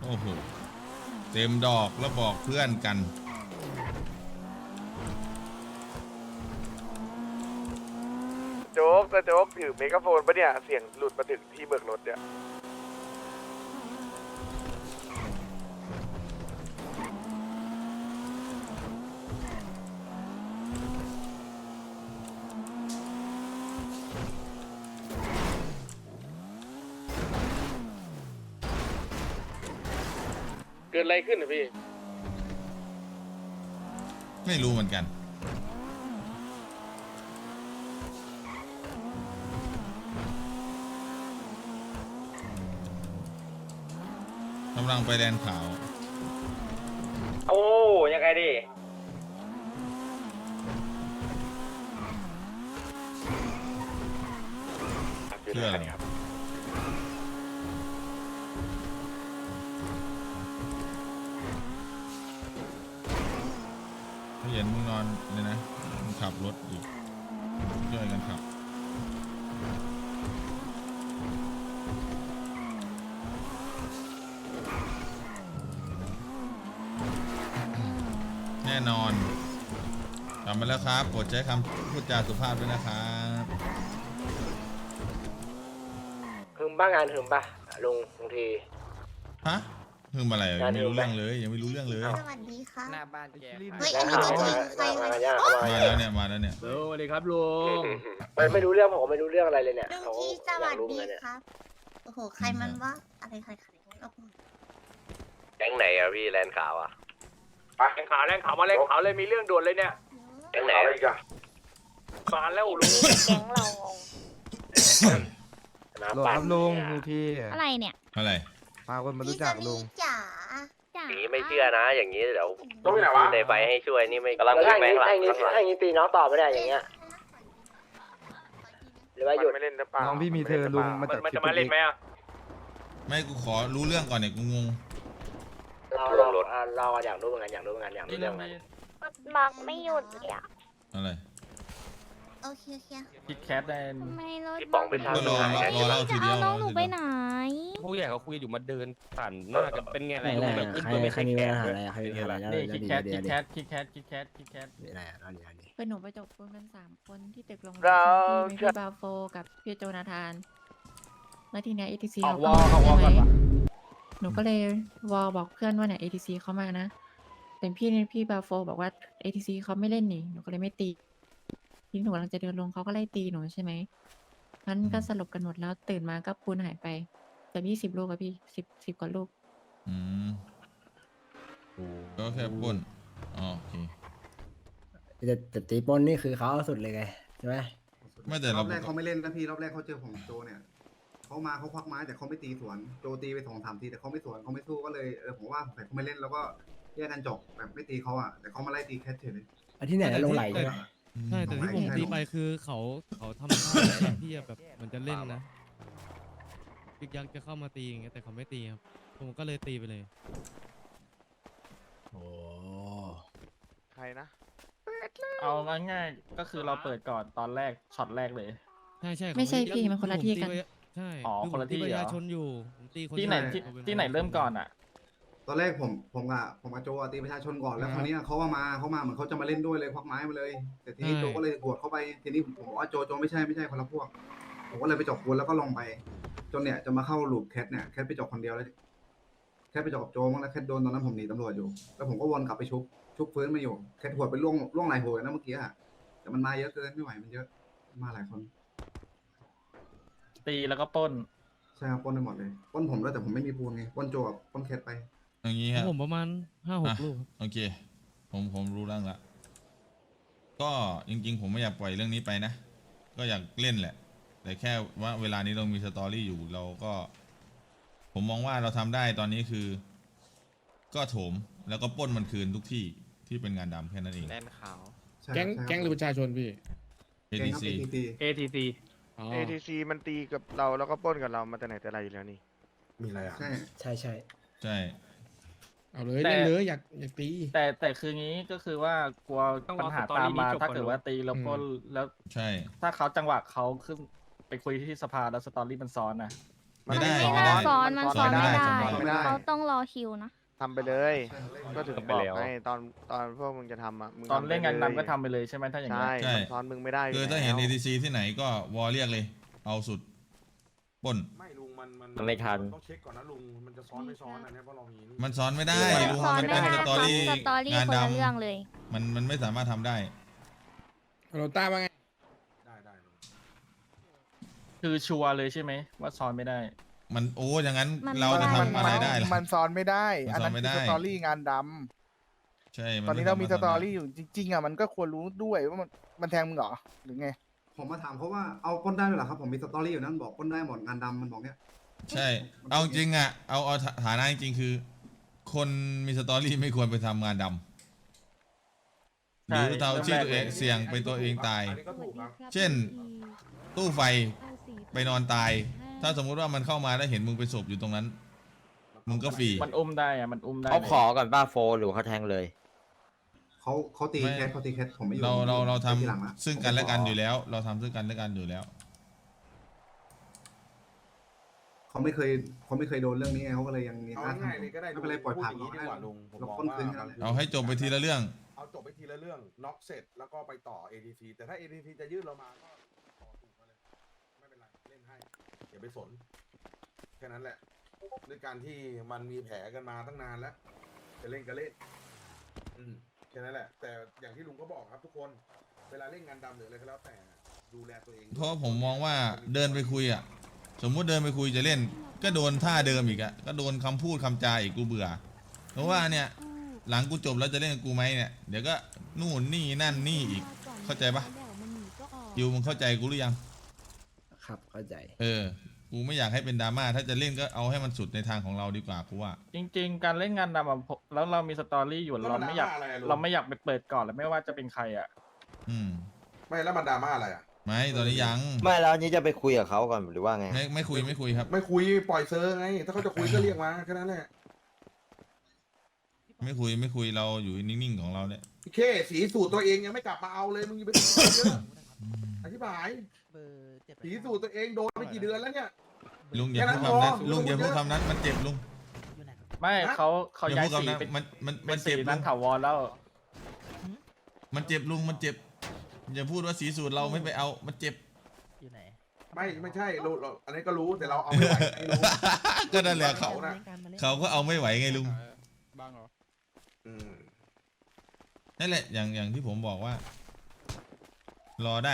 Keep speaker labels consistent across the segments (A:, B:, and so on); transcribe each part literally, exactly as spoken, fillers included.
A: โอ้โหเต็มดอกแล้วบอกเพื่อนกัน
B: โจ๊กแต่โจ๊กถือเมกะโฟนปะเนี่ยเสียงหลุดมาถึงที่เบิกรถเนี่ยเกิดอะไรขึ้นนะพี่
A: ไม่รู้เหมือนกันกำลังไปแดนขาว
C: โอ้ยังไงดิ
A: เพื่ออะไรครับเห็นมึงนอนเลยนะมึงขับรถอีกช่วยกันขับแน่นอนกลับมาแล้วครับโปรดใช้คำพูดจาสุภาพด้วยนะครับ
C: หึมบ้างงานหึมป่ะลุงบางที
A: ฮะคืออะไรยังไม่รู้เรื่องเลยยังไม่รู้เรื่องเลย
D: สวัสดีค่ะ
E: หน้าบ้านแก
D: เฮ้ยอันนี้ตัวจริงใคร
C: มาว
D: ะ
C: ย่าง
A: มาแล้วเนี่ยมาแล้วเนี่ย
E: สวัสดีครับลุง
C: ไม่ไม่รู้เรื่องผมไม่รู้เรื่องอะไรเลยเนี่ย
D: ลุง
C: เขา
D: ที่ส
C: อ
D: วั
C: ยาก
D: ส
C: รู้
D: ดี
C: เหมือนกันเนี่ย
D: ครับ โอ้โห ใครมันวะอะไรใครใครโอ้โห
C: แก๊งไหนอะพี่แลนขาวอะ
E: แรงขาวแรงขาวมาแรงขาวเลยมีเรื่องด่วนเลยเนี่ย
C: แก๊งไหนอะไรกัน
E: มาแล้วลุง
D: แก๊งเรา
C: น้ำ
F: โหล
C: ปั่น
F: ครับลุงมีพี่
D: อะไรเนี่ย
A: อะไร
F: พาคนมา
D: พี่
F: รู้
D: จะ
F: จัก
D: มี
F: ลุง
D: จ๋าจ๋า
C: อย่างนี้ไม่เชื่อนะ อย่างนี้เดี๋ยว
B: ต้องไปไหนวะ
C: ในไฟให้ช่วยนี่ไม่กำลังวิ่งไปข้างหลังถ้าอย่างนี้ตีน้องต่อไม่ได้อย่างเงี้ยหรือว่าหยุด
B: ไม่เล่นหรือเปล่า
F: น้องพี่มีเธอลุงมาจาก
E: มันจะมาเล่นไหมอ่ะ
A: ไม่กูขอรู้เรื่องก่อนเนี่ยกูงง
C: เราเราเราอยากรู้เหมือนกันอยากรู้เหมือนกันอยากรู้เรื่องมัน
D: บักไม่หยุดเลยอะ
A: อะไร
D: โอเคโอเค
E: คิดแคทได้
D: ทำไมรถ
C: พี่ป๋องเป็นท่า
A: ก็รอรอเล่าทีเดียว
D: น้องหนูไปไหน
E: ผู้ใหญ่เขาคุยอยู่มาเดินผ่านหน้ากันเป็นไงอะไร
G: ไหน
E: แบบ
G: ๆ
E: ขึ้น
G: ใคร
E: ตัวไม่
G: ใคร
E: ใช่
G: มี
E: แข
G: ปัญ
E: ก
G: หาอะไรใครมีปัญหาอะไร
E: นี่
G: แล้ว
E: คิด
G: ดี
E: แคท
G: เดี๋
E: คิ
G: ยว
E: ด
G: เดี๋
E: แค
G: ยว
E: ทคิดแคทคิดแคทคิดแคท
G: เดี๋ยวอะไรอ่ะเดี๋ยวเดี๋ยว
H: เป็นหนูไปจบปูนกันสามคนที่ตึกโรงแรม
B: เรา
H: มีพี่บาโฟกับพี่โจนาธานแล้วทีเนี้ย เอ ที ซี
E: ออก
H: เขา
E: วอลออกวอลก่อน
H: ใช่ไหม
E: ปะ
H: หนูก็เลยวอลบอกเพื่อนว่าเนี่ย เอ ที ซี เขามานะแต่พี่เนี่ยพี่บาโฟบอกว่า เอ ที ซี เขาไม่เล่นนี่หนูก็เลยไม่ตีทีนี้หนูกำลังจะเดินลงเขาก็ไล่ตีหนูใช่ไหมงั้นก็สลบกันหมดแล้วตื่นมาก็ปูนหายไปแต่ยี่สิบลูกอะพี่สิบสิบกว่าลูก
A: อืมก็แค่ปล้นอ๋อโอเค
G: แต่แต่ตีปนนี่คือเขาเอาสุดเลยไงใช่ไหม
A: ไม่แต่
I: ร
A: เรา
I: อบแรกเขาไม่เล่นนะพี่รอบแรกเขาเจอผมโจเนี่ยเขามาเขาควักไม้แต่เขาไม่ตีสวนโจตีไปสองสามทีแต่เขาไม่สวนเขาไม่สู้ก็เลยเออผมว่าแต่เขาไม่เล่นแล้วก็แยกกันจบแบบไม่ตีเขาอ่ะแต่เขามาไล่ตีแคทเฉยเลย
G: อันที่ไหนนะลงไหลใช่ไหม
J: ใช่แต่ที่ผมตีไปคือเขาเขาทำท่าอะไรที่จะแบบเหมันจะเล่นนะยึกยักจะเข้ามาตีอย่างเงี้ยแต่เขาไม่ตีครับผมก็เลยตีไปเลย
G: โอ้
B: ใครนะ
E: เอาง่ายๆก็คือเราเปิดก่อนตอนแรกช็อตแรกเลย
J: ใช่ใช่
H: ไม่ใช่พี่มันคนละที่กัน
J: ใช่
E: อ๋อ
J: ผม
E: คนละที่
J: ตีประ
E: เหรอ
J: ชาชนอยู่ผมตีคน
E: ที่ไหน
J: เดียว
E: ที่
J: อาป็
E: ที่ไหนเริ่มก่อนอ่ะ
I: ตอนแรกผมผมกับผมกับโจอะตีประชาชนก่อนแล้วคราวนี้เขาว่ามาเขามาเหมือนเขาจะมาเล่นด้วยเลยควักไม้มาเลย แต่ทีนี้โจก็เลยกวดเข้าไปทีนี้ผมบอกว่าโจโจไม่ใช่ไม่ใช่คนละพวกผมก็เลยไปจบคนแล้วก็ลงไป จนเนี่ยจะมาเข้าลูปแคทเนี่ยแคทไปจบคนเดียวเลยแคทไปจบกับโจมั้งแล้วแคทโดนตอนนั้นผมหนีตำรวจอยู่แล้วผมก็วนกลับไปชุบชุบฟื้นมาอยู่แคทหัวไปล่วงล่วงไหลหัวนะเมื่อกี้อะแต่มันมาเยอะเกินไม่ไหวมันเยอะมาหลายคน
E: ตีแล้วก็ปล้น
I: ใช่ครับปล้นไปหมดเลยปล้นผมแล้วแต่ผมไม่มีปูนไงปล้นโจกับปล้นแคทไป
A: อย่างนี้
J: ข
A: ค
J: อ
A: รั
J: ง
A: บ
J: ผมประมาณห้าหก
A: อ่ะ
J: ลูกครับ
A: โอเค ผมผมรู้เรื่องละก็จริงๆ ผมไม่อยากปล่อยเรื่องนี้ไปนะ ก็อยากเล่นแหละ แต่แค่ว่าเวลานี้เรามีสตอรี่อยู่เราก็ ผมมองว่าเราทำได้ตอนนี้คือ ก็โถมแล้วก็ปล้นมันคืนทุกที่ที่เป็นงานดำแค่นั้นเอง
E: แลนขาว
I: ใช่
J: แก๊ง
I: ใช่
J: แก๊งหรือประชาชนพี่
I: แก๊งครับ
A: เอ ที ซี
I: เอ ที
E: เอ ที ซี
J: อ๋อ
B: เอ ที ซี มันตีกับเราแล้วก็ปล้นกับเรามาแต่ไหนแต่ไรอยู่แล้วนี่
I: มีอะไรอ่ะใช่
G: ใช่ใช่
A: ใช่
J: เอาเลย
E: แต่
J: เล่นเลยอยากอยากตี
E: แต่แต่คืองี้ก็คือว่ากลัวปัญหาตามมาถ้าเกิดว่าตีแล้วปล้นแล้ว
A: ใช่
E: ถ้าเขาจังหวะเขาขึ้นไปคุยที่สภาแล้วสตอรี่มันซ้อนนะ
A: ไม่ได้
K: ไม่
A: ไม่
K: น่า
A: ได้
K: ซ้อนมันซ้อนไม่ได้
A: ซ้อนไม่ได้
B: ไม่ได้
K: เขาต้องรอคิวนะ
B: ทำไปเลย ก็ถึงบอกไงตอนตอนพวกมึงจะทำอ่ะมึง
E: ตอน
B: ทำไป
E: เล่นงาน
B: ย
E: นำก็ทำไปเลยใช่ไหมถ้าอย่างนี้
B: ใช่
A: ใช่
B: มันซ้อนมึงไม่ได้
A: คือ
B: อยู่
A: ถ้าเห็น
B: แล้ว
A: เอทีซีที่ไหนก็วอเรียกเลย เอาสุดปล้น
C: ไม่ลุงมันมัน
G: มันไม่ทัน
C: ต้องเช็คก่อนนะลุงมันจะซ้อนไม่ซ้อนอันนี้เพราะเรามีนี่
A: มันซ้อนไม่ได้ลุง
K: ซ้อน
A: มัน
K: ไม่
A: เป็น
K: ได้
A: สตอรี่
K: สตอรี่
A: งาน
K: คน
A: ด
K: ละเรื่องเลย
A: ำมันมันไม่สามารถทำได้
F: โรต้าว่าไง
C: ได้ได้ลุง
E: คือชัวร์เลยใช่ไหมว่าซ้อนไม่ได้
A: มันโอ้อย่างนั้น
K: มัน
A: เราจะ
K: ไม่
A: ทำอะไรได้ล่ะ
B: มันซ้อนไม่ได้
A: มัน
B: อัน
A: ซ้อ
B: นั้น น
A: ไม่
B: คือ
A: ได้
B: สตอรี่งานด
A: ใช่
B: ำ
A: มั
B: ตอนนี้เรามีส
A: ไส
B: ตอ
A: ถ
B: รี่อยู่จริงๆอ่ะมันก็ควรรู้ด้วยว่ามันมันแทงมึงเหรอหรือไง
I: ผมมาถามเขาว่าเอาปล้นได้ด้วยเหรอครับผมมีสตอรี่อยู่นั่นบอกปล้นได้หมดงานดำมันบอกเนี้ย
A: ใช่ เอาจริงอ่ะ เอาเอาฐานะจริงๆคือ คนมีสตอรี่ไม่ควรไปทำงานดำหรือเตาชื่อตัวเองเสี่ยงเป็นตัวเองตาย
C: อันนี้ก็ถูกครับ
A: เช่น ตู้ไฟไปนอนตาย ถ้าสมมุติว่ามันเข้ามาแล้วเห็นมึงเป็นศพอยู่ตรงนั้น มึงก็ฟรี
E: มันอุ้มได้อะมันอุ้มได้
G: เขา
E: ลย
G: ขอก่อนป้าโฟหรือเขาแทงเลย
I: เขาเขาตี
A: ไม่
I: แคทเขาตีแคทผมไม่อยู่
A: เราเราเราทำ
I: ทีหลังละ
A: ซึ่งกันและกันอยู่แล้ว เราทำซึ่งกันและกันอยู่แล้ว
I: เขาไม่เคยเขาไม่เคยโดนเรื่องนี้ไงเขาก็เลยยังยัง
C: เอา
I: กล้า
C: ง่ายๆ
I: ทำ
C: เลยก็ได้
I: ไม่เป็นไรปล่อยผ่าน
C: พูดอย่างนี้ดีกว่าลุงผม
I: เรา
C: มอง
I: ปล้น
C: ว่า
I: คืนกันแล้ว
A: เอาให้จบไปทีละเรื่อง
C: เอาจบไปทีละเรื่องน็อกเสร็จแล้วก็ไปต่อ เอ ที ซี แต่ถ้า เอ ที ซี จะยื่นเรามาก็ต่อถูกมาเลยไม่เป็นไรเล่นให้อย่าไปสนแค่นั้นแหละด้วยการที่มันมีแผลกันมาตั้งนานแล้วจะเล่นก็เล่นอืมแค่นั้นแหละ แต่อย่างที่ลุงก็บอกครับทุกคนเวลาเล่นงานดำหรืออะไรก็แล้วแต่ดูแลตัวเอง
A: เพราะผมมองว่าเดินไปคุยอ่ะ สมมุติเดินไปคุยจะเล่น ก็โดนท่าเดิมอีกอ่ะ ก็โดนคำพูดคำจาอีกกูเบื่อ เพราะว่าเนี่ย หลังกูจบแล้วจะเล่นกับกูไหมเนี่ย เดี๋ยวก็นู่นนี่นั่นนี่อีก เข้าใจปะยูมึงเข้าใจกูหรือยัง
G: ครับเข้าใจ
A: เออ กูไม่อยากให้เป็นดราม่า ถ้าจะเล่นก็เอาให้มันสุดในทางของเราดีกว่ากูว่า
E: จริง ๆ การเล่นงานนำอะผมแล้วเรามีสตอรี่อยู่เราไม่อยากเราไม่อยากไปเปิดก่อนแล้วไม่ว่าจะเป็นใครอ่ะ
A: อืม
C: ไม่แล้วมันดราม่าอะไรอ่ะ
A: ไม่ตอนนี้ยัง
G: ไม่แล้วอันนี้จะไปคุยกับเขาก่อนหรือว่าไง
A: ไม่ไม่คุยไม่คุยครับ
C: ไม่คุยปล่อยเซอร์ไง ถ้าเขาจะคุยก็เรียกมาแค่นั้นแหละ
A: ไม่คุยไม่คุยเราอยู่นิ่งๆของเราเนี่ย
C: โอเคสีสูตรตัวเองยังไม่กลับมาเอาเลยมึงอย่าไปพูดเยอะอธิบายสีสูตรตัวเองโดนไปกี่เดือนแล้วเนี่ย
A: ลุงอย่าพูดคำนั้นลุงอย่าพูดคำนั้นมันเจ็บลุง
E: ไม่เขาเขา
A: อย่า
E: ย้า
A: พู
E: ย
A: ด
E: สี
A: คำนั้น
E: เป็น
A: มันมัน
E: เป็
A: มัน น
E: สี
A: เจ็บลุ
E: นั้น
A: ง
E: ถาวรแล้ว
A: มันเจ็บลุงมันเจ็บ อย่าพูดว่าสีสูตรเราไม่ไปเอามันเจ็บ
C: ไม่ไม่ใช่เราเราอันนี้ก็รู้แต่เราเอาไม่ไหวไม่รู้
A: ก็นั่นแหละเขา
C: น่ะ
A: เขาก็เอาไม่ไหวไงลุง
F: บ้างเหรอ
C: อืม
A: นั่นแหละอย่างอย่างที่ผมบอกว่า รอได้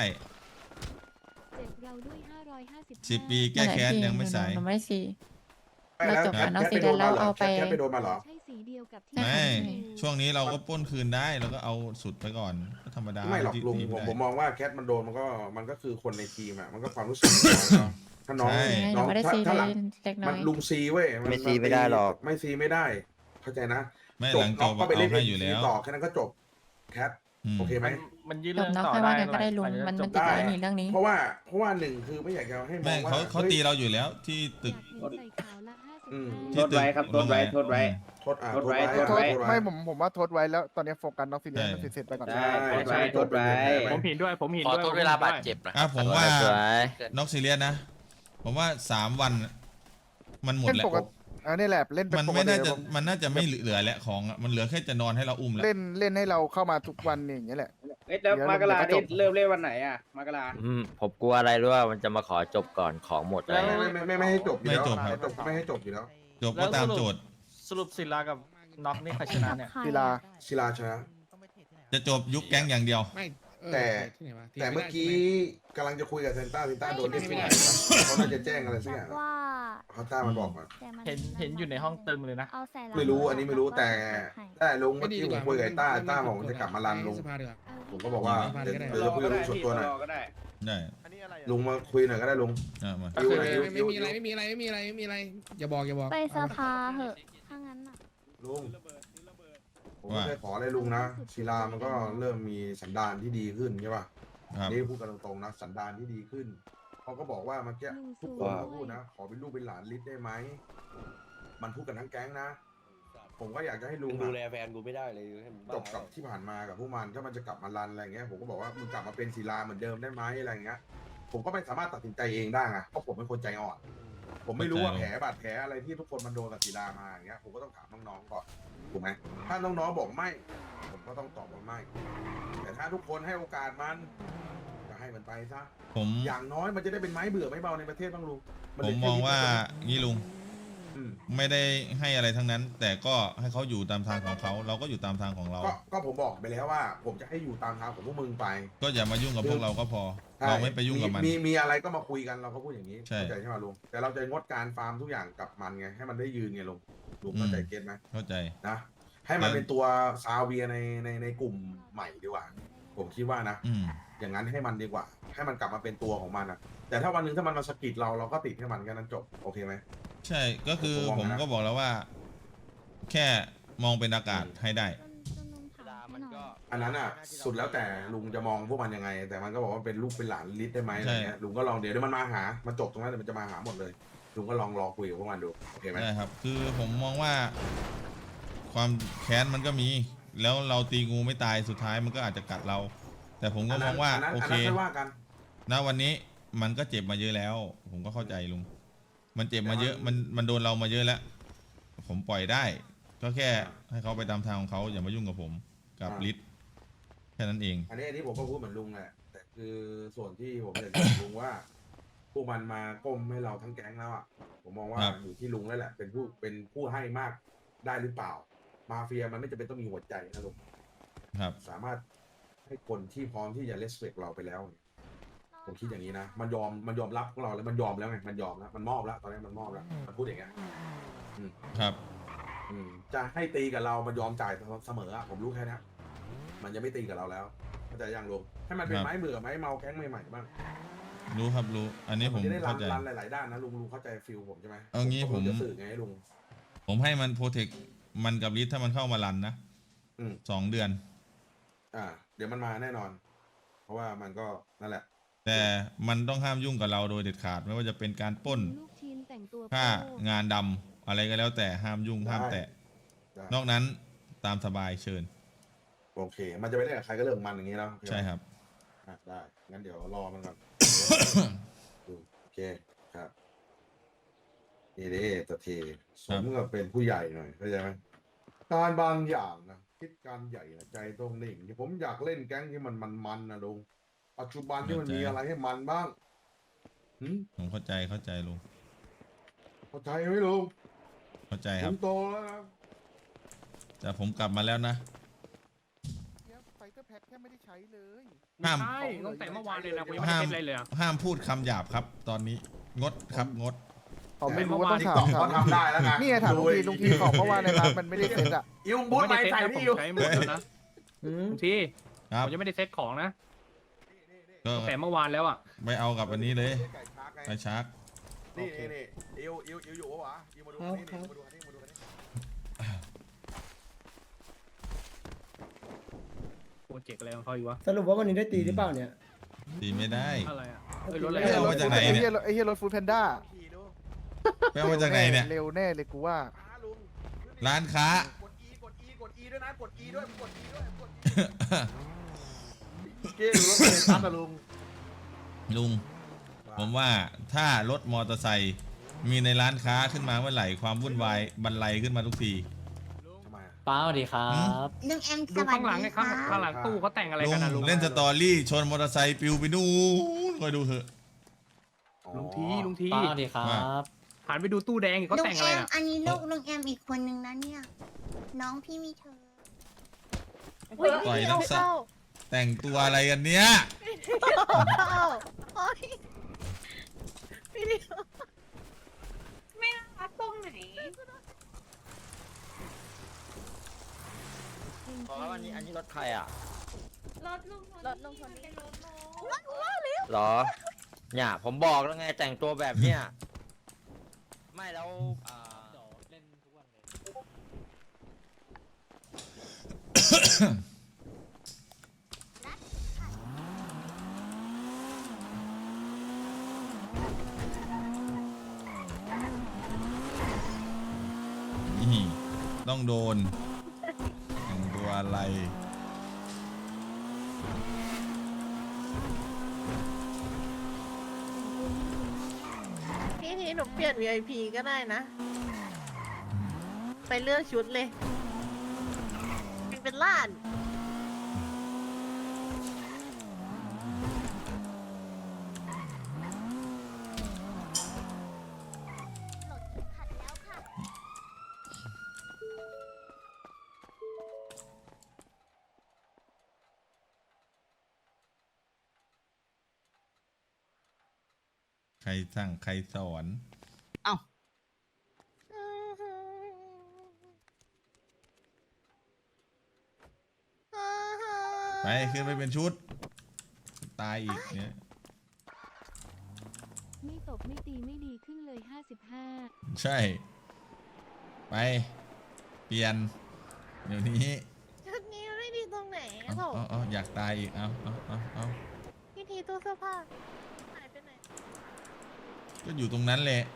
A: สิบปีแก้แค้นยังไม่สาย
H: หนูไม่สี
C: ไม่แล้ว
H: เราจบ
C: แค
H: กั
C: ท
H: นเนอะ
C: แคท
H: สี
C: ไปโดน
H: แดง
C: มาเหรอ
H: เราเอาไป
C: แคทไปโดนมาเหรอ
A: ไม่
H: ใช่
A: ช่วงนี้เราก็ปล้นคืนได้เราก็เอาสุดไปก่อนก็ธรรมดา
C: ไม่หรอก
A: ที่
C: ลุง
A: ที่
C: ผม
A: ได้
C: ผมมองว่าแคทมันโดนมันก็มันก็คือคนในทีมอ่ะมันก็ความรู้สึกของน้องเนาะถ้าน้อง
A: ใช่
H: ห
C: น้
H: นู
C: อง
H: ไม่ได้
C: ถ้า
H: สี
C: ถ้าหลัง
H: เล็กน้
C: มั
H: อน ย
C: ลุงซีเว้ยน
G: ไม่ซีไม่ได้หรอก
C: ไม่ซีไม่ได้ เข้าใจนะ
A: ไม่
C: จ
A: ห
C: บ
A: ลังจ
C: น้อบ งก็ไปเล่น
A: เอาให้อยู่แล้ว
C: ต่อแค่นั้นก็จบแคท
A: อืม
C: โอเคไหม
E: มันมันยื่น
H: จ
E: เรื่
H: บ
E: อง
H: เนาะ
E: ต่อ
H: ค่อย
E: ได้
H: ว่ากันก็ได้ลุง
E: หลั
H: มัน
E: จาก
H: มัน
E: จ
H: ติ
E: บ
H: ด
E: ได้
H: ไว้หนีเรื่องนี้
C: เพราะว่าเพราะว่าหนึ่งคือไม่อยากจะให้ม
A: ไม่
C: องว่า
A: เขาเขา
C: ฮ้ย
A: ตีเราอยู่แล้วที่ตึก
C: อืม
A: ที่ตึก
G: โทษไว้ครับโทษไว้โทษไว้
C: โทษอ่ะ
G: โทษไว้
C: โทษ
G: โทษไว้
C: โทษ
B: ไม่ผมผมว่าทดไว้แล้วตอนนี้โฟกัสน้องซีเรียส
A: ใช่
B: มันเสร็จๆไปก่อน
G: ได้
C: ใช่
G: โทษไว้
C: ใช่
G: โทษไว้
E: ผมเห็นด้วยผมเห็น
L: ขอ
E: ด้วย
L: โทษเวลาบาดเจ็บนะ
A: อ่ะผมว่า
G: สวย
A: น็อกซีเรียสนะ ผมว่าสามวัน มันหมด
B: เล่น
A: แล้ว
B: ปกติอันนี้แหละเล่นเป็น
A: มัน
B: ปก
A: ไม่
B: ติ
A: น่าจะ
B: ผม
A: มันน่าจะไม่เหลือแล้วของอะมันเหลือแค่จะนอนให้เราอุ้มแล้ว
B: เล่นเล่นให้เราเข้ามาทุกวันอย่างเงี้ยแหละ
G: เอ๊ะแล้วมากรานี่เริ่มเล่นวันไหนอ่ะมากราอืมผมกลัวอะไรรู้ว่ามันจะมาขอจบก่อนของหมดอะไร
C: ไม่ไม่ไม่ไม่ไม่ให้จบอยู่
A: ไม่
C: แล้ว
A: จบครับ
C: ไม่จบไม่ให้จบอยู่แล้ว
A: จบก็ตามโจทย์
E: สรุปศิลากับน็อกนี่ใครชนะเนี่ย
B: ศิลา
C: ศิลาชนะ
A: จะจบยุคแก๊งอย่างเดียว
F: ไม่เออ
C: แต่
F: ที่ไหนวะที่
C: แต่เมื่อกี้
F: ไ
C: กำลังจะคุยกับเซนต้าเซนต้าโดนเรียก
F: ไม่
C: ที่ไหน
F: ได้
C: เขาน่าจะแจ้งอะไรสักอย่าง
K: ว่า
C: เขาต้ามันบอกมา
K: แต่มั
E: เห็นเห็นอยู่ในห้องตึงเลยนะ
K: เอาใส่หลัง
C: ไม่รู้อันนี้ไม่รู้แต่
K: ให้
C: ได้ลุง
F: ม่
C: เมื่อ
F: ดี
C: กี้
F: ดี
C: ผ
F: ก
C: ม
F: ว่า
C: คุยกับไอ้ต้า
F: มัน
C: ต้าบอกว่าจะกลับมารันลุง
F: สภาดีกว่า
C: ผมก็บอกว่า
F: สภา
C: เดี๋ยว
F: ก็ได้
C: เดี๋ยวจะคุยกับลุงส่วนตัวหน่อย
G: ก็ได้
A: ได้
C: ลุงมาคุยหน่อยก็ได้ลุง
A: อ่ะมา
E: ก็คือ
C: ยิ้ว
F: ไม่มีอะไรไม่มีอะไรไม่มีอะไรไม่มีอะไรอย่าบอกอย่าบอก
K: ไปสภาเหอะถ้างั้นน่ะ
C: ลุงผมไม่ได้ขออะไรลุงนะศิลามันก็เริ่มมีสันดานที่ดีขึ้นใช่ป่ะ
A: ครับ
C: นี่พูดกันตรงๆนะสันดานที่ดีขึ้นเขาก็บอกว่าเมื่อกี้ทุกคนก็พูดนะ ขอเป็นลูกเป็นหลานลิศได้ไหมมันพูดกันทั้งแก๊งนะ ผมก็อยากจะให้ลุง
L: ดู
C: อะ
L: แลแฟนกูไม่ได้เลยให้มัน
C: จบกับที่ผ่านมากับพวกมันถ้ามันจะกลับมารันอะไรเงี้ยผมก็บอกว่ามึงกลับมาเป็นศิลาเหมือนเดิมได้ไหมอะไรเงี้ยผมก็ไม่สามารถตัดสินใจเองได้ไงเพราะผมเป็นคนใจอ่อนผมไม่รู้ว่า
A: เข้า
C: แผ
A: ใจ
C: ลบาดแผลอะไรที่ทุกคนมันโดนกับศิลามาอย่างเงี้ยผมก็ต้องถามน้องๆก่อนถูกไหมถ้าน้องๆบอกไม่ ผมก็ต้องตอบว่าไม่ แต่ถ้าทุกคนให้โอกาสมันก็ให้มันไปซะ
A: ผม
C: อย่างน้อยมันจะได้เป็นไม้เบื่อไม้เบาในประเทศบ้างลุงน
A: ผ
C: เป็
A: ม
C: น
A: มอง
C: แค่
A: ว่า
C: นิด
A: งี้ลุง
C: อืม
A: ไม่ได้ให้อะไรทั้งนั้น แต่ก็ให้เขาอยู่ตามทางของเขา เราก็อยู่ตามทางของเรา
C: ก็ก็ผมบอกไปแล้วว่า ผมจะให้อยู่ตามทางของพวกมึงไป
A: ก็อย่ามายุ่งกับพวกเราก็พอ
C: ใช่
A: เราไม่ไปยุ่งกับมัน
C: มีมีอะไรก็มาคุยกันเราก็พูดอย่างนี้
A: ใช่
C: เข้าใจใช่ไหมลุงแต่เราจะงดการฟาร์มทุกอย่างกับมันไงให้มันได้ยืนไงลุงลุงเข้าใจ
A: อืม
C: เก็ตไหม
A: เข้าใจ
C: นะให้มัน
A: แล้ว
C: เป็นตัวซาเวียในในในกลุ่มใหม่ดีกว่า ผมคิดว่านะ
A: อืม
C: อย่างนั้นให้มันดีกว่า ให้มันกลับมาเป็นตัวของมันนะแต่ถ้าวันหนึงถ้ามันมาสะกิดเราเราก็ติดให้มันแค่นั้นจบโอเคไหม
A: ใช่ ก็คือ
C: ผมมอง
A: ผม
C: นะ
A: ก็บอกแล้วว่า แค่มองเป็นอากาศให้ได้
K: จนจนลุงถามให้หน่อย
C: อันนั้นอ่ะสุดแล้วแต่ลุงจะมองพวกมันยังไง แต่มันก็บอกว่าเป็นลูกเป็นหลานลิศได้ไหมอะไรเงี้ยลุงก็ลองเดี๋ยวเดี๋ยวมันมาหามาจบตรงนั้นเดี๋ยวมันจะมาหาหมดเลยลุงก็ลองรอคุยกับพวกมันดูโอเคไหม
A: ได้ครับ คือผมมองว่า ความแค้นมันก็มี แล้วเราตีงูไม่ตายสุดท้ายมันก็อาจจะกัดเรา แต่ผมก็มองว่า
C: นนั้น
A: โอ
C: อัน
A: เค
C: นั้นไม่ว่ากัน
A: ณวันนี้มันก็เจ็บมาเยอะแล้ว ผมก็เข้าใจลุง มันเจ็บมาเยอะ มันมันโดนเรามาเยอะแล้ว ผมปล่อยได้ ก็แค่ให้เขาไปตามทางของเขาอย่ามายุ่งกับผมกับ
C: อ่า
A: ลิศแค่นั้นเอง
C: อันนี้อันนี้ผมก็พูดเหมือนลุงแหละแต่คือส่วนที่ผมอยากจะบอกลุงว่า พวกมันมาก้มให้เราทั้งแก๊งแล้วอ่ะผมมองว่า
A: ครับ
C: อยู่ที่ลุงแล้วแหละ เป็นผู้เป็นผู้ให้มากได้หรือเปล่า มาเฟียมันไม่จำเป็นต้องมีหัวใจนะลุง
A: ครับ
C: สามารถให้คนที่พร้อมที่จะเลสเ c กเราไปแล้ว ผมคิดอย่างนี้นะ มันยอมมันยอมรับพวกเราแล้วมันยอมแล้วไงมันยอมแล้วมันมอบแล้วตอนนี้มันมอบแล้วมันพูดอย่างเงี้ยอืม
A: ครับ
C: อืมจะให้ตีกับเรามันยอมจ่ายเสมออะผมรู้แค่นี้มันจะไม่ตีกับเราแล้วเข้าใจยังลุงให้มันเป็น
A: ครับ
C: ไม้เบื่อไม้เมาแก๊งใหม่ๆบ้าง
A: รู้ครับรู้ อันนี้ผม
C: จะได้รั
A: เข้าน ใจ
C: รันหลายๆด้านนะลุงลุงเข้าใจฟิลผมใช่ไหม
A: เอางี้
C: ก็
A: ผม
C: จะสื่อไงให้ลุง
A: ผมให้มันโปรเทค มันกับลิศถ้ามันเข้ามารันนะ
C: อืม
A: สองเดือน
C: อ่า เดี๋ยวมันมาแน่นอน เพราะว่ามันก็นั่นแหละ
A: แต่มันต้องห้ามยุ่งกับเราโดยเด็ดขาด ไม่ว่าจะเป็นการปล้น
K: ลูกทีมแต่งตัว
A: ฆ่า
K: โป้
A: งานดำอะไรก็แล้วแต่ห้ามยุ่ง
C: ได้
A: ห้ามแตะ
C: ได้
A: นอกนั้นตามสบายเชิญ
C: โอเค มันจะไปเล่นกับใครก็เรื่องของมันอย่างนี้แล้ว
A: ใช่ครับ
C: อ่ะได้งั้นเดี๋ยวรอมันก่อน ดูโอเคครับนี่เด้ตะเทสมกับเป็นผู้ใหญ่หน่อยเข้าใจไหมการบางอย่างนะคิดการใหญ่นะใจต้องนิ่งที่ผมอยากเล่นแก๊งที่มันมันๆนะลุงปัจจุบันที่มันมีอะไรให้มันบ้างหืม
A: ผมเข้าใจเข้าใจลุง
C: เข้าใจไหมลุง
A: เข้าใจ
C: ผ
A: ครับ
C: มโตแล้วนะ
A: แต่ผมกลับมาแล้วนะ
B: ไฟเตอร์แพ็คแค่ไม่ได้ใช้เลย
A: ห้าม
E: ใช่ตั้งแต่เมื่อวานเลยนะกูยังไม่ได้
A: ห้าม
E: เซ็ตอะไรเลยอะ
A: ห้ามพูดคำหยาบครับ ตอนนี้ งดครับงด
B: ผมไม่รู้ว่าต้องถาม
C: เขาทำได้แล้วไง
B: นี่ไงถามลุงทีลุงทีบอกเพราะว่าในร้านมันไม่ได้เซ็ตอ่ะ
C: อิว
E: ผม
C: บูท
E: ไม่
C: ไป
E: ได้เซ็ต
C: ใส่
E: นะผ
C: พี่
E: ม
C: อยู่
E: ใช้หมดแล้วนะลุงที
A: ครับ
E: ผมยังไม่ได้เซ็ตของนะ
A: ก็
E: ตั้งแต่เมื่อวานแล้วอ่ะ
A: ไปเอากับอันนี้เลย
C: ไก่ชาร์กไง
A: ไปชาร์จ
C: นี่นี่นี่อิวอิวอิวอยู่ปะวะอิวมาดูอันนี้นี่มาดูอันนี้มาดูอันนี้
E: โปรเจกต์อะไรของเขาอยู่วะ
F: สรุปว่าวันนี้ได้ตีหรือเปล่าเนี่ย
A: ตีไม่ได้
E: อะไรอ่ะเอ้ยรถอะไร
A: เอ้ย
E: อะ
A: เอามาจากไหน
B: ไอ้
A: เนี่ย
B: เหี้ยไอ้เหี้ยรถฟู้ดแพนด้า
C: ขี่ดู
A: ไปเอามาจากไหนเนี่ย
B: เร็วแน่เลยกูว่า
C: ช้าลุง
A: ร้านค้า
C: กด E กด E กด E ด้วยนะ กด E ด้วย กด E ด้วย กด E เกดูรถเลยซัดนะลุง
A: ลุง ผมว่าถ้ารถมอเตอร์ไซค์มีในร้านค้าขึ้นมาเมื่อไหร่ความวุ่นวายบรรลัยขึ้นมาทุกที
C: ทำไมอะ
G: ป้าสวัสดีครับ
D: ลุงแอมส
E: ดู
D: วัส
E: ข้างหลัง
D: ดี
E: ไง
D: ค่ะ
E: ข้างข้างหลังตู้เขาแต่งอะไร
A: ลุ
E: กัน
A: ง
E: นะลุง
A: เล่นสตอรี่ชนมอเตอร์ไซค์ปิวไปนู่นคอยดูเถอะ
E: ลุงทีลุงที
G: ป้าสวัสดีครับ
E: หันไปดูตู้แดงอีกเขา
D: ลุง
E: แต่ง
D: แอ
E: อะไร
D: ม
E: อ่ะ
D: อันนี้ลูกลุงแอมอีกคนนึงนะเนี่ย น้องพี่มีเธอ
A: ปล่อยน้ำสักแต่งตัวอะไรกันเนี้ย
D: ไม่รักตรงไหน
G: ขอวันนี้อันนี้รถใครอ่ะ
D: รถลุงรถลุงคนนี้รถลุง
G: หรอ เนี่ยผมบอกแล้วไงแต่งตัวแบบเนี้ย ไม่แล้วอ่าเล่นทุกวันเลย
A: นี่ต้องโดนแต่งตัวอะไร
D: พี่พี่ทีหนูเปลี่ยน วี ไอ พี ก็ได้นะ ไปเลือกชุดเลยเป็นล้าน
A: ใครสั่งใครสอน ไปขึ้นไปเป็นชุด ตายอีกเนี่ย
K: ไม่ตบไม่ตีไม่ดีขึ้นเลยห้าสิบห้า
A: ใช่ ไป เปลี่ยน เดี๋ยวนี้
D: ชุดนี้ไม่ดีตรงไหน
A: เอา
D: โถ
A: เอาเอาอยากตายอีก เอาเอาเอาเอา
D: พี่ทีตู้เสื้อผ้าหายไปไหน
A: ก็อยู่ตรงนั้นแหละ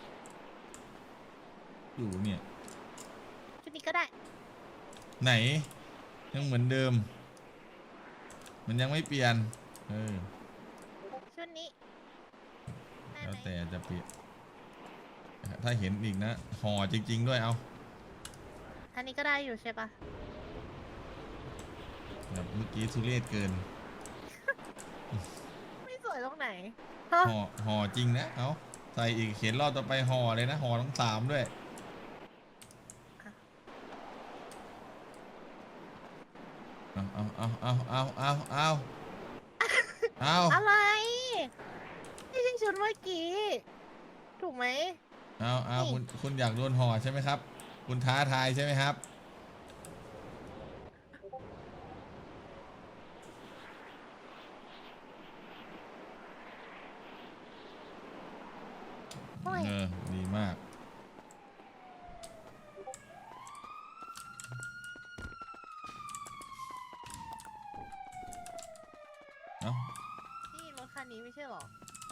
A: อยู่เนี่ย
D: ชุดนี้ก็ได้
A: ไหน ยังเหมือนเดิม มันยังไม่เปลี่ยน เออ
D: ชุดนี้ได้
A: แล้ว
D: ไหม
A: แต่จะเปลี่ยน ถ้าเห็นอีกนะห่อจริง ๆ ด้วยเอา
D: อันนี้ก็ได้อยู่ใช่ปะ
A: แบบเมื่อกี้ทุเรศเกิน
D: ไม่สวยตรงไหนฮะ
A: ห่อห่อจริงนะ เอาใส่อีกเขียนรอบต่อไปห่อเลยนะห่อทั้งสามด้วย เอาเอาเอาเอาเอาเอาเอาเอา
D: อะไรนี่ใช่ชุดเมื่อกี้ ถูกไหม
A: เอาเอาคุณคุณอยากโดนห่อใช่ไหมครับ คุณท้าทายใช่ไหมครับ
D: โอ้ย
A: เออ ดีมาก เอา
D: นี่รถคันนี้ไม่ใช่หรอ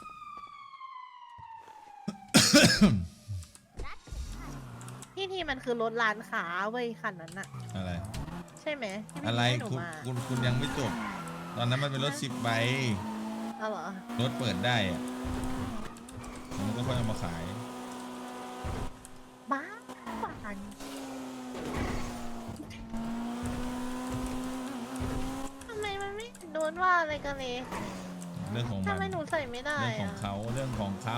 D: พี่ทีมันคือรถร้านค้าเว้ยคันนั้นอะ
A: อะไร
D: ใช่ไหมที่พี่
A: อะไร
D: ให้หนู
A: คุณ
D: มา
A: คุณคุณยังไม่จบ ตอนนั้นมันเป็นรถสิบใบ
D: เอาเหรอ
A: รถเปิดได้อะมันก็ค่อยเอามาขาย
D: บ้าปันทำไมมันไม่โดนว่าอะไรกันเลย
A: เรื่องของมั
D: ทำ
A: น
D: ไมหนูใส่ไม่ได้
A: เรื่องของ
D: อะ
A: เขาเรื่องของเขา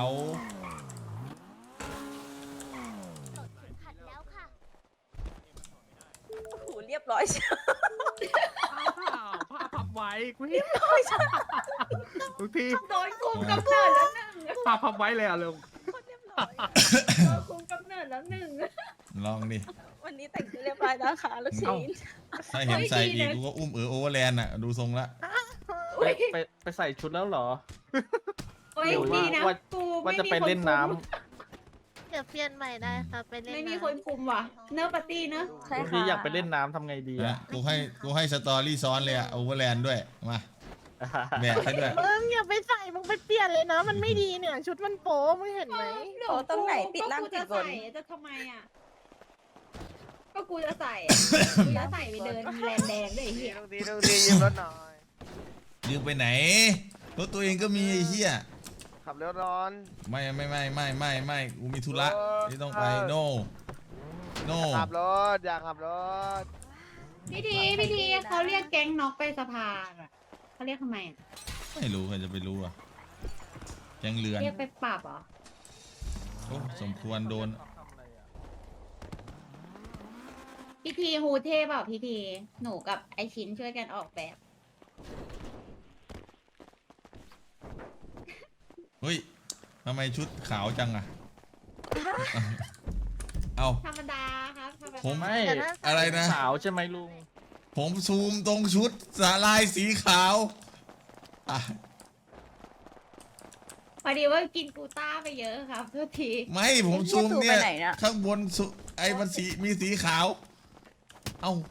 D: โอ้โหเรียบร้อยใช่
E: ผ้าพับไว้กูเห็นทุกที
D: โดนคุมกำเนิดแล้วหนึ่ง
E: ผ้าพับไว้เลยอ่ะลุง
D: เรียบร้อยโดนคุมกำเนิดแล้วหนึ่ง
A: ลองดิ
D: วันนี้แต่งตัวเรียบร้อยแล้วค่ะลูกชิ้น
A: ถ้าเห็นใส่อีกกูก็อุ้มเออโอเวอร์แลนด์อ่ะ ดูทรงละ
E: ไปไปไปใส่ชุดแล้วเหรอ
D: โอ้ย
E: หรือว่า
D: ดีนะ
E: ว่า
D: กู
E: ว่าจะไปเล่นน้ำ
D: เดี๋ยวเปลี่ยนใหม่ได้ค่ะไปเล่น
M: ไม่มี
D: ำ
M: คนคุมว่ะ เนอร์ปาร์ตี้เนอะ
D: ใช่
E: ทุก
D: ค่ะ
E: ทีอยากไปเล่นน้ำทำไงดี
A: นะ
E: อ่ะ
A: กูให้กูให้สตอรี่ซ้อนเลยอ่ะโอเวอร์แลนด์ด้วย มาแบกให้ด้วย
D: มึงอย่าไปใส่มึงไปเปลี่ยนเลยนะ มันไม่ดีเนี่ย ชุดมันโป๊มึงเห็นไหม
M: โอ้ตรงไหนติดล่างติดบนจะทำไมอ่ะ ก็กูจะใส่อะกูจะใส่ไปเดินแลนแดงด้วยไอ้เหี้ย
B: ต้องดีต้องดียืมรถหน่อย
A: ยืมไปไหน รถตัวเองก็มีไอ้เหี้ย
B: ขับเร็วร้อน
A: ไม่ไม่ไม่ไม่ไม่ไม่กูมีธุระที่ต้องไป โน โน
B: ขับรถอยากขับรถ
M: พี่ทีพี่ทีเขาเรียกแก๊งน็อกไปสภาอ่ะเขาเรียกทำไมอ่ะ
A: ไม่รู้ใครจะไปรู้อ่ะแกงเรือน
M: เรียกไปปรับเหรอ
A: โอ้สมควรโดน
M: พี่ทีฮูเทเปล่าพี่ทีหนูกับไอชิ้นช่วยกันออกแบบ
A: เฮ้ยทำไมชุดขาวจังอ่ะ เอา
M: ธรรมดาครับธรรมดา
A: ผม
E: ไม่
A: อะไรนะ
E: สาวใช่ไหมลุง
A: ผมซูมตรงชุดสาลายสีขาวอ่ะ
M: พอดีว่ากินกูต้าไปเยอะครับทุกที
A: ไม่ผมซูมเนี่ย ข้างบนสุไอ้มันสีมีสีขาว เอ้า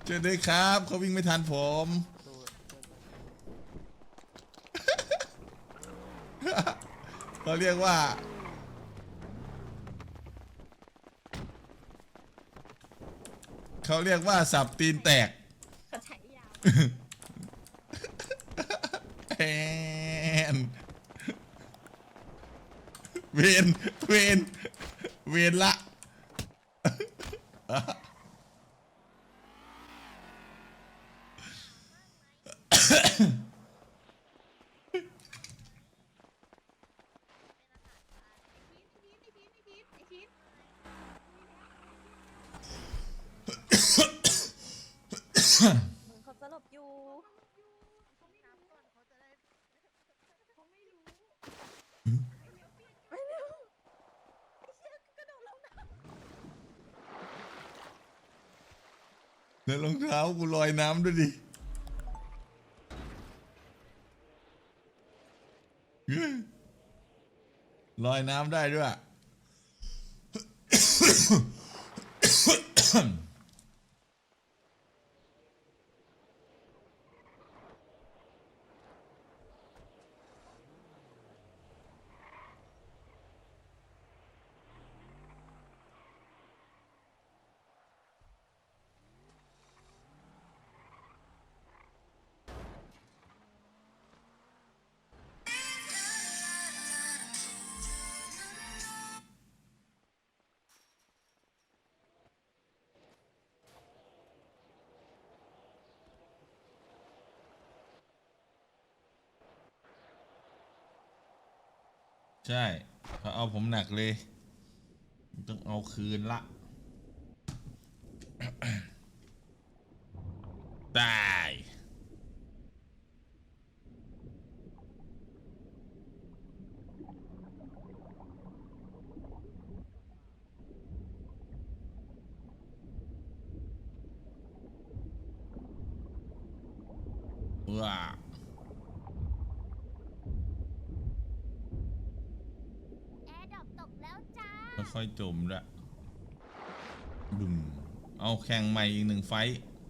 A: เจอด้วยครับเขาวิ่งไม่ทันผม เขาเรียกว่า เขาเรียกว่าสับตีนแตก
M: เขาใช้ยาว
A: แอนเวนเวนเวนละ
M: เขาสลบอยู่
A: แล้วรองเท้ากูลอยน้ำด้วยดิลอยน้ำได้ด้วย ใช่เขาเอาผมหนักเลย ต้องเอาคืนละ ตายว้าค่อยๆจมละบึ้มเอาแข่งใหม่อีกหนึ่งไฟท์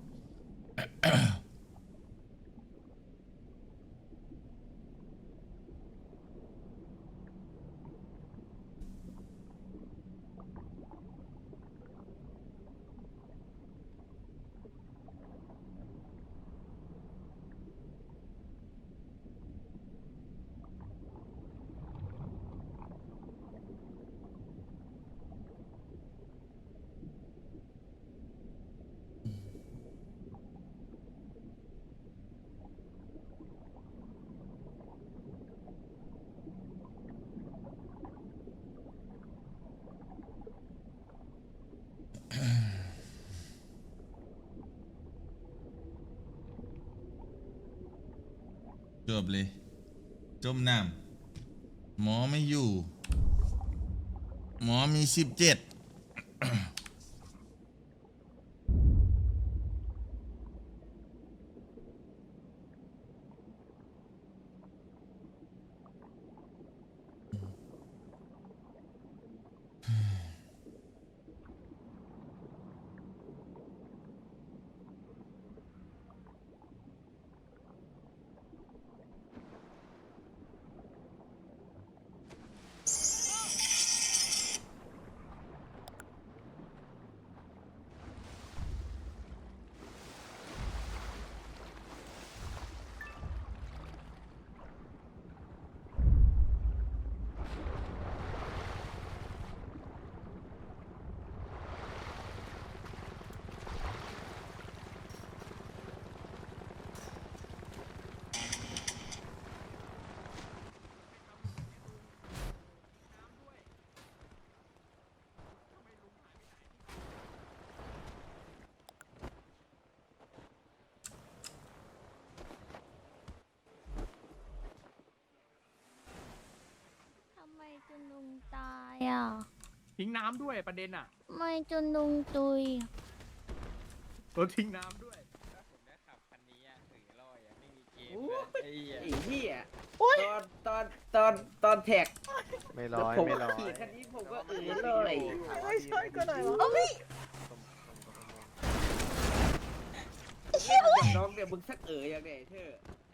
A: จบเลย จมน้ำหมอไม่อยู่ หมอมีสิบเจ็ด
M: ทำไมจนลุงตายอ่ะ
E: ทิ้งน้ำด้วยประเด็นอ่ะ
M: ทำไมจนลุงตุย
E: เออทิ้งน้ำด้วย
G: ผมได้ขับคันนี้อ่ะถือลอยอ่ะไม่มีเกมเลยไอ้เหี้ย
F: ไอ้เหี้ยตอนตอนตอนตอนแท็ก
L: ไม่ร้อย
F: ผม
L: ไม่ร้อย
F: ขี่คันนี้ผมก็เออเลย
D: ไม่ใช่ก็ไหนวะ
M: เอ้ย
F: เเล่นกับน้องเนี่ยมึงสักเอ๋ยอย่างเนี่ยเธอ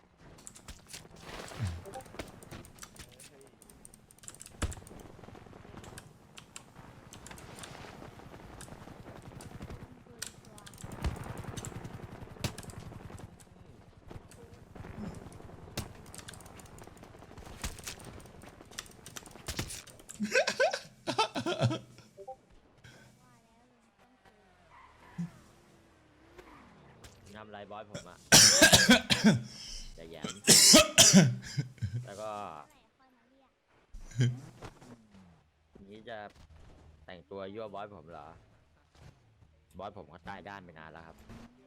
G: ทำไรบอสผมอะ จะแย้ม แล้วก็นี้จะแต่งตัวยั่วบอสผมเหรอ บอสผมเขาตายด้านไปนานแล้วครับ